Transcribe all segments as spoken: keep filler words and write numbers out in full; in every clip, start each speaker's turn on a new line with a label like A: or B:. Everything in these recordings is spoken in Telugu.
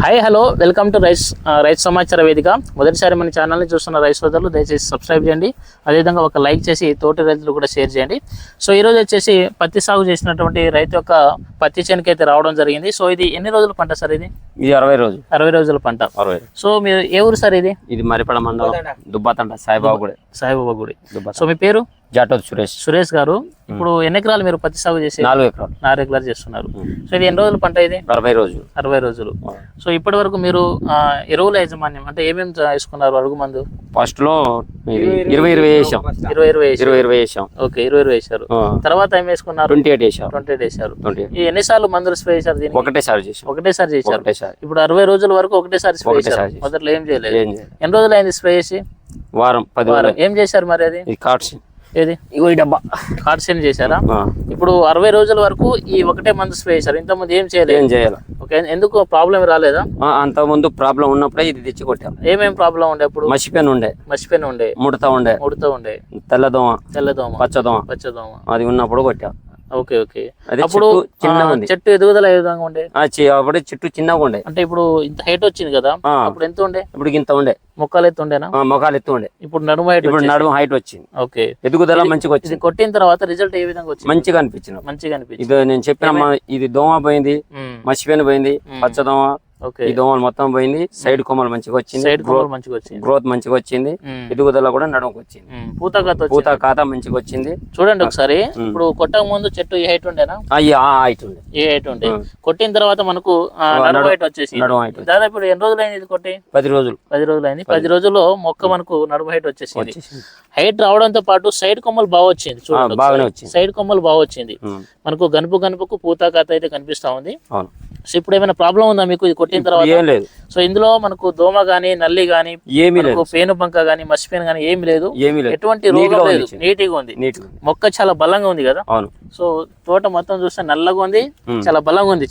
A: Hi hello welcome to rice రైతు సమాచార వేదిక. మొదటిసారి మన ఛానల్ని చూస్తున్న రైతు సోదరులు దయచేసి సబ్స్క్రైబ్ చేయండి, అదేవిధంగా ఒక లైక్ చేసి తోటి రైతులు కూడా షేర్ చేయండి. సో ఈరోజు వచ్చేసి పత్తి సాగు చేసినటువంటి రైతు యొక్క పత్తి చేనుకి అయితే రావడం జరిగింది. సో ఇది ఎన్ని రోజుల పంట సార్? ఇది
B: ఇది అరవై రోజులు
A: అరవై రోజుల పంట.
B: అరవై.
A: సో మీరు ఏ ఊరు సార్? ఇది
B: ఇది మరిపడ మండలం దుబ్బాతంట సాయిబాబా గుడి.
A: సాయిబాబా గుడి. సో మీ పేరు?
B: జాటోత్ సురేష్.
A: సురేష్ గారు, ఇప్పుడు ఎన్ని ఎకరాలు మీరు పత్తి సాగు చేసి?
B: నాలుగు ఎకరాలు.
A: నాలుగు ఎకరాలు చేస్తున్నారు. సో ఇది ఎన్ని రోజుల పంట? ఇది
B: అరవై రోజులు.
A: అరవై రోజులు. సో ఇప్పటి వరకు మీరు ఎరువుల యాజమాన్యం అంటే ఏమేమి వేసుకున్నారు? అడుగు మందు
B: ఫస్ట్ లో ఇరవై ఇరవై వేసాం.
A: ఇరవై ఇరవై
B: ఇరవై ఇరవై వేసాం.
A: ఓకే, ఇరవై ఇరవై వేసారు. తర్వాత ఏం వేసుకున్నారు?
B: ట్వంటీ ఎయిట్ వేసాం.
A: ట్వంటీ ఎయిట్ వేసారు.
B: ట్వంటీ
A: ఈ ఎన్నిసార్లు మందులు స్ప్రే చేశారు? దీనికి
B: ఒకటేసారి చేసాం.
A: ఒకటేసారి చేశారు.
B: ఒకటేసారి.
A: ఇప్పుడు అరవై రోజుల వరకు ఒకటేసారి స్ప్రే చేశారు. మొదట్లో ఏం చేయలేదు. ఎన్ని రోజులు అయింది స్ప్రే చేసి?
B: వారం పది
A: వారం. ఏం చేశారు మరి? అది
B: కార్డ్స్
A: ఏది?
B: ఇగో ఈ డబ్బా
A: కార్డ్స్ చేశారా? ఇప్పుడు అరవై రోజుల వరకు ఈ ఒకటే మందు స్ప్రే చేశారు. ఇంత ముందు ఏం చేయలేదు.
B: ఏం చేయాలి?
A: ఓకే, ఎందుకు ప్రాబ్లం రాలేదా?
B: అంత ముందు ప్రాబ్లం ఉన్నప్పుడే ఇది తెచ్చి కొట్టాం.
A: ఏమేం ప్రాబ్లం ఉండే? అప్పుడు
B: మసిపెన్ ఉండే.
A: మసిపెన్ ఉండే.
B: ముడత ఉండే.
A: ముడత ఉండే.
B: తెల్లదోమ.
A: తెల్లదోమ.
B: పచ్చదోమ.
A: పచ్చదోమ
B: అది ఉన్నప్పుడు కొట్టాం.
A: Okay okay. అప్పుడు చెట్టు ఎదుగుదల ఏ విధంగా ఉండే?
B: అప్పుడు చెట్టు చిన్నగా ఉండే.
A: అంటే ఇప్పుడు ఇంత హైట్ వచ్చింది కదా, అప్పుడు ఎంత ఉండే?
B: ఇప్పుడు ఇంత ఉండే.
A: మొక్కలు ఎత్తు ఉండేనా?
B: మొక్కలు ఎత్తు ఉండే.
A: ఇప్పుడు నడుము హైట్.
B: ఇప్పుడు నడుము హైట్ వచ్చింది.
A: ఓకే,
B: ఎదుగుదల మంచిగా వచ్చింది.
A: కొట్టిన తర్వాత రిజల్ట్ ఏ విధంగా వచ్చింది?
B: మంచిగా అనిపించింది.
A: మంచిగా అనిపించింది.
B: ఇది నేను చెప్పిన ఇది దోమ పోయింది, మసిపోయిన పోయింది, పచ్చదోమ. ఈ దోమలు మొత్తం పోయింది. సైడ్ కొమ్మలు మంచిగా వచ్చింది.
A: సైడ్ కొమ్మలు మంచిగా వచ్చింది.
B: గ్రోత్ మంచిగా వచ్చింది. ఎదుగుదల కూడా నడుముకు వచ్చింది.
A: పూత ఖాతా
B: పూత ఖాతా మంచిగా వచ్చింది.
A: చూడండి ఒకసారి. ఇప్పుడు కొట్టక ముందు చెట్టు ఏ హైట్ ఉండేనా?
B: హైట్ ఉండే.
A: ఏ హైట్ ఉండే. కొట్టిన తర్వాత మనకు నడుము హైట్ వచ్చేసి దాదాపు ఇప్పుడు ఎన్ని రోజులు అయింది ఇది కొట్టి?
B: పది రోజులు.
A: పది రోజులు అయింది. పది రోజుల్లో మొక్క మనకు నడుము హైట్ వచ్చేసింది. హైట్ రావడంతో పాటు సైడ్ కొమ్మలు బాగా వచ్చింది. చూడండి, సైడ్ కొమ్మలు బాగా వచ్చింది. మనకు గనుపు గనుపుకు పూత ఖాతా అయితే కనిపిస్తా ఉంది. సో ఇప్పుడు ఏమైనా ప్రాబ్లం ఉందా మీకు ఇది కొట్టిన తర్వాత?
B: ఏం లేదు.
A: సో ఇందులో మనకు దోమ గానీ నల్లి గానీ
B: ఏమీ లేదు,
A: పేను బంక గానీ మసిపేను గానీ ఏమి లేదు.
B: ఏమీ లేదు.
A: ఎటువంటి రోగం లేదు. నీటిగా ఉంది. మొక్క చాలా బలంగా ఉంది కదా.
B: అవును.
A: సో తోట మొత్తం చూస్తే నల్లగా ఉంది, చాలా బలంగా ఉంది.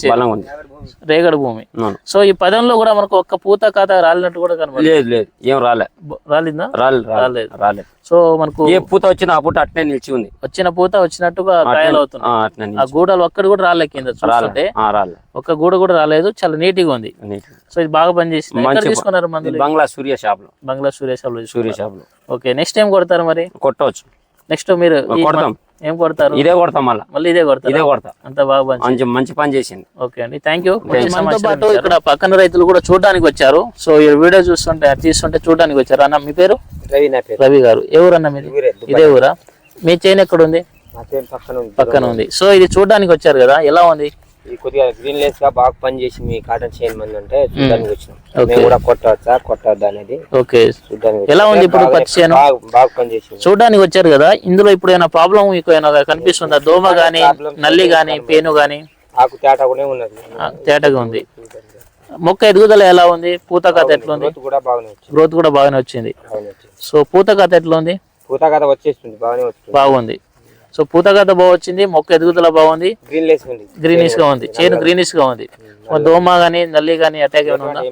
A: రేగడి భూమి. సో ఈ పదంలో కూడా మనకు ఒక్క పూత ఖాతా రాలినట్టు కూడా కనబడలేదు.
B: లేదు లేదు, ఏం రాలే.
A: రాలిందా?
B: రాలేదు రాలేదు.
A: సో మనకు
B: ఏ పూత వచ్చిన ఆ పూట అట్నే నిలిచి ఉంది.
A: వచ్చిన పూత వచ్చినట్టుగా కాయలు అవుతున్నాయి. ఆ గూడలు ఒక్కటి కూడా రాలే కింద చూస్తుంటే. ఒక్క గూడ కూడా రాలేదు, చాలా నీట్గా ఉంది. సో ఇది బాగా పనిచేసింది. తీసుకున్నారు మందులు?
B: బంగ్లా సూర్య షాప్ లో.
A: బంగ్లా సూర్య షాప్ లో. సూర్య షాప్ లో. ఓకే, నెక్స్ట్ ఏం కొడతారు మరి?
B: కొట్టవచ్చు.
A: నెక్స్ట్ మీరు ఏం కొడతారు?
B: ఇదే కొడతాం. మళ్ళీ మళ్ళీ ఇదే కొడతారు. ఇదే కొడతా. అంత బాగా మంచి మంచి పని చేసింది.
A: ఓకే అండి, థ్యాంక్ యూ. మనతో పాటు ఇక్కడ పక్కన రైతులు కూడా చూడడానికి వచ్చారు. సో ఈ వీడియో చూస్తుంటే తీస్తుంటే చూడడానికి వచ్చారు. అన్న మీ పేరు?
C: రవి. నా పేరు
A: రవి గారు. ఏ ఊరు అన్న మీది? ఇదే ఊరా? మీ చేను ఎక్కడ ఉంది? పక్కన ఉంది. సో ఇది చూడడానికి వచ్చారు కదా, ఎలా ఉంది?
C: ఇది కొద్దిగా గ్రీన్ లెస్ గా బాగా పని చేసి మీ కాటన్ చేయని మంది అంటే చూడడానికి వచ్చినాం. మేము కూడా కొట్టవచ్చా కొట్టవద్దా అనేది.
A: ఓకే, ఎలా ఉంది ఇప్పుడు పత్తి చేను?
C: బాగా పని చేసి
A: చూడడానికి వచ్చారు కదా, ఇందులో ఇప్పుడు ఏమైనా ప్రాబ్లం మీకు ఏమైనా కనిపిస్తుందా? దోమ గానీ నల్లి గానీ పేను గానీ?
C: ఆకు తేటా కూడా ఉన్నది.
A: తేటగా ఉంది. మొక్క ఎదుగుదల ఎలా ఉంది? పూత ఖాతా ఎట్లా ఉంది? గ్రోత్ కూడా బాగానే వచ్చింది. సో పూత ఖాతా ఎట్లా ఉంది?
C: పూత ఖాతా వచ్చేస్తుంది, బాగానే వచ్చింది.
A: బాగుంది. సో పూత ఖాతా బాగా వచ్చింది, మొక్క ఎదుగుదల బాగుంది, గ్రీనిష్ గా ఉంది, చేను గ్రీనిష్ గా ఉంది. దోమ గానీ నల్లి గానీ అటాక్ ఏమైనా ఉందా?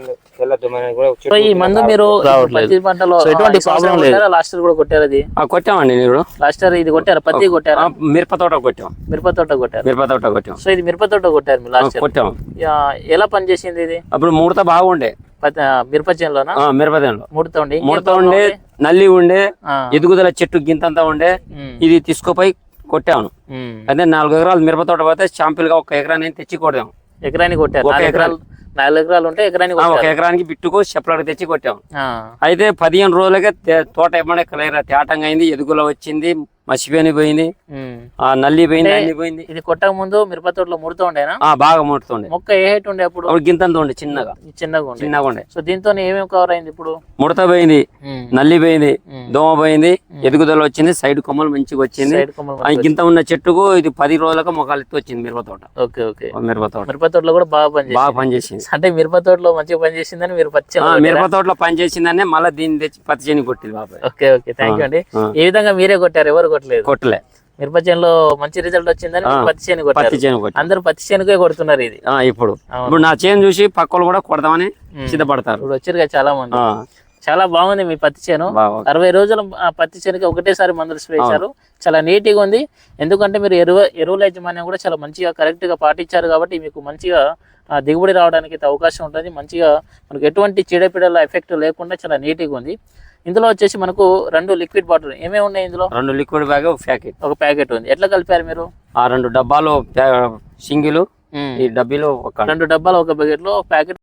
A: సో ఈ మందు మీరు పత్తి పంటలో ఎటువంటి ప్రాబ్లం లేదు. లాస్ట్ ఇయర్ కూడా కొట్టారు? అది
B: కొట్టామండి.
A: లాస్ట్ ఇయర్ ఇది కొట్టారు, పత్తి కొట్టారు,
B: మిరప తోట కొట్టాం.
A: మిరప తోట కొట్టారు.
B: మిరప తోట కొట్టాం.
A: సో ఇది మిరప తోట కొట్టారు మీరు లాస్ట్ ఇయర్.
B: కొట్టాం.
A: ఎలా పనిచేసింది ఇది?
B: అప్పుడు ముడత బాగుండే.
A: మిరప చేనులోనా?
B: మిరప చేనులో
A: ముడత ఉండే.
B: ముడత ఉండే, నల్లి ఉండే, ఎదుగుదల చెట్టు గింతంతా ఉండే. ఇది తీసుకుపోయి కొట్టాను. అదే నాలుగు ఎకరాలు మిరప తోట పోతే శాంపిల్ గా ఒక ఎకరాన్ని తెచ్చి కొట్టాం.
A: ఎకరానికి కొట్టారు. ఒక ఎకరాలు నాలుగు ఎకరాలు ఉంటే ఎకరానికి
B: ఒక ఎకరానికి బిట్టుకు సెపరేట్ తెచ్చి కొట్టాం. అయితే పదిహేను రోజులకే తోట ఏమన్నా క్లియర్ తేటంగా అయింది, ఎదుగుల వచ్చింది, మసిపోయి పోయింది, ఆ నల్లి పోయింది, అన్ని పోయింది.
A: ఇది కొట్టక ముందు మిరప తోటలో ముడుతూ ఉండేనా?
B: బాగా ముడుతుండే.
A: మొక్క ఏ హైట్ ఉండే అప్పుడు?
B: గింతంత ఉండే, చిన్నగా
A: చిన్నగా
B: చిన్నగా ఉండే.
A: సో దీంతో ఏమేమి కవర్ అయింది ఇప్పుడు?
B: ముడత పోయింది, నల్లి పోయింది, దోమ పోయింది, ఎదుగుదల వచ్చింది, సైడ్ కొమ్మలు మంచిగా వచ్చింది. గింత ఉన్న చెట్టుకు ఇది పది రోజులకు మొక్కలు ఎత్తి వచ్చింది మిరప తోట.
A: Okay okay.
B: మిరప తోట
A: మిరప తోటలో కూడా బాగా పని
B: బాగా పనిచేసింది.
A: అంటే మిరప తోటలో మంచిగా పనిచేసిందని మీరు పచ్చి
B: మిరప తోటలో పనిచేసిందని మళ్ళీ దీన్ని తెచ్చి పత్తి చేని కొట్టింది బాబాయ్.
A: ఓకే ఓకే, థ్యాంక్ యూ అండి. ఏ విధంగా మీరే కొట్టారు? ఎవరు కొట్టలేదు?
B: కొట్టలే.
A: మిరప చేనులో మంచి రిజల్ట్ వచ్చిందని పత్తి చేను కొట్టారు. అందరూ పత్తి చేనుకే కొడుతున్నారు ఇది.
B: ఇప్పుడు ఇప్పుడు నా చేను చూసి పక్కలు కూడా కొడదామని సిద్ధపడతారు.
A: ఇప్పుడు వచ్చారు కదా చాలా మంది. చాలా బాగుంది మీ పత్తి చేను.
B: బాగా
A: అరవై రోజుల ఆ పత్తి చేనుకి ఒకటేసారి మందులు స్ప్రే చేశారు. చాలా నీట్గా ఉంది. ఎందుకంటే మీరు ఎరువు ఎరువుల యజమాన్యం కూడా చాలా మంచిగా కరెక్ట్గా పాటించారు కాబట్టి మీకు మంచిగా ఆ, దిగుబడి రావడానికి అయితే అవకాశం ఉంటుంది. మంచిగా మనకు ఎటువంటి చీడపీడల ఎఫెక్ట్ లేకుండా చాలా నీట్గా ఉంది. ఇందులో వచ్చేసి మనకు రెండు లిక్విడ్ బాటిల్ ఏమేమి ఉన్నాయి ఇందులో?
B: రెండు లిక్విడ్ బ్యాగ్ ఒక ప్యాకెట్
A: ఒక ప్యాకెట్ ఉంది. ఎట్లా కలిపారు మీరు?
B: ఆ రెండు డబ్బాలు సింగిల్ ఈ డబ్బీలో ఒక
A: రెండు డబ్బాలు ఒక ప్యాకెట్లో ప్యాకెట్